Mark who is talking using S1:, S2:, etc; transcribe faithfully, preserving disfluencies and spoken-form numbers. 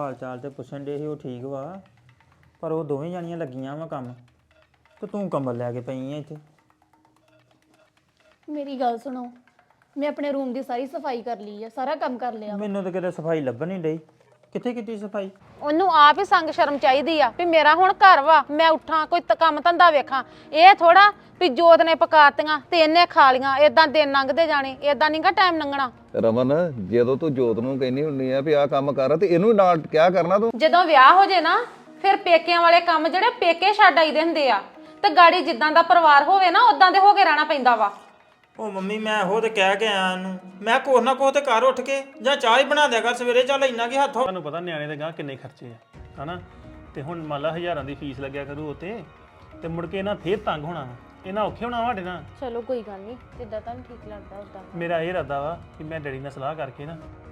S1: ਹਾਲ ਚਾਲ ਤੇ ਪੁੱਛਣ ਦੇ ਸੀ ਉਹ ਠੀਕ ਵਾ ਪਰ ਉਹ ਦੋਵੇਂ ਜਾਣੀਆਂ ਲੱਗੀਆਂ ਵਾ ਕੰਮ ਤੇ ਤੂੰ ਕੰਬਲ ਲੈ ਕੇ ਪਈ ਐ ਇੱਥੇ।
S2: ਮੇਰੀ ਗੱਲ ਸੁਣੋ, ਮੈਂ ਆਪਣੇ ਰੂਮ ਦੀ ਸਾਰੀ ਸਫਾਈ ਕਰ ਲਈ ਆ, ਸਾਰਾ ਕੰਮ ਕਰ ਲਿਆ।
S1: ਮੈਨੂੰ ਤਾਂ ਕਿਤੇ ਸਫਾਈ ਲੱਭਣ ਨਹੀਂ ਡਈ, ਕਿੱਥੇ ਕੀਤੀ ਸਫਾਈ?
S3: ਉਹਨੂੰ ਆਪ ਹੀ ਸੰਗ ਸ਼ਰਮ ਚਾਹੀਦੀ ਆ ਵੀ ਮੇਰਾ ਹੁਣ ਘਰ ਵਾ, ਮੈਂ ਉੱਠਾਂ ਕੋਈ ਤ- ਕੰਮ ਧੰਦਾ ਵੇਖਾਂ। ਇਹ ਥੋੜਾ ਵੀ ਜੋਤ ਨੇ ਪਕਾਤੀਆਂ ਤੇ ਇਹਨੇ ਖਾ ਲੀਆਂ, ਏਦਾਂ ਦਿਨ ਲੰਘਦੇ ਜਾਣੇ, ਏਦਾਂ ਨਹੀਂਗਾ ਟਾਈਮ ਲੰਘਣਾ।
S4: ਰਮਨ ਜਦੋਂ ਤੂੰ ਜੋਤ ਨੂੰ ਕਹਿੰਦੀ ਹੁੰਨੀ ਆ ਵੀ ਆਹ ਕੰਮ ਕਰ ਤੇ ਇਹਨੂੰ ਨਾਲ ਕਿਆ ਕਰਨਾ ਤੂੰ?
S3: ਜਦੋਂ ਵਿਆਹ ਹੋ ਜੇ ਨਾ ਫਿਰ ਪੇਕਿਆਂ ਵਾਲੇ ਕੰਮ ਜਿਹੜੇ ਪੇਕੇ ਛੱਡ ਆਈਦੇ ਹੁੰਦੇ ਆ ਤੇ ਗਾੜੀ ਜਿੱਦਾਂ ਦਾ ਪਰਿਵਾਰ ਹੋਵੇ ਨਾ ਉਦਾਂ ਦੇ ਹੋ ਕੇ ਰਹਿਣਾ ਪੈਂਦਾ ਵਾ।
S1: ਉਹ ਮੰਮੀ ਮੈਂ ਉਹ ਤੇ ਕਹਿ ਕੇ ਆਇਆ ਇਹਨੂੰ, ਮੈਂ ਕੋਹ ਨਾ ਕੋਹ ਤੇ ਘਰ ਉੱਠ ਕੇ ਜਾਂ ਚਾਹ ਹੀ ਬਣਾ ਦਿਆ ਕਰ ਸਵੇਰੇ, ਚੱਲ ਇੰਨਾ ਕੀ ਹੱਥ।
S5: ਤੁਹਾਨੂੰ ਪਤਾ ਨਿਆਣੇ ਦੇ ਗਾਂ ਕਿੰਨੇ ਖਰਚੇ ਆ ਹਨਾ, ਤੇ ਹੁਣ ਮੰਨ ਲਾ ਹਜ਼ਾਰਾਂ ਦੀ ਫੀਸ ਲੱਗਿਆ ਕਰੂ ਉਤੇ ਤੇ ਮੁੜ ਕੇ ਇਹਨਾਂ ਫੇਰ ਤੰਗ ਹੋਣਾ ਵਾ, ਇਹਨਾਂ ਔਖੇ ਹੋਣਾ ਸਾਡੇ ਨਾਲ।
S3: ਚਲੋ ਕੋਈ ਗੱਲ ਨਹੀਂ, ਜਿੱਦਾਂ ਤੁਹਾਨੂੰ ਠੀਕ ਲੱਗਦਾ ਉਦਾਂ।
S5: ਮੇਰਾ ਇਹ ਇਰਾਦਾ ਵਾ ਕਿ ਮੈਂ ਡੈਡੀ ਨਾਲ ਸਲਾਹ ਕਰਕੇ ਨਾ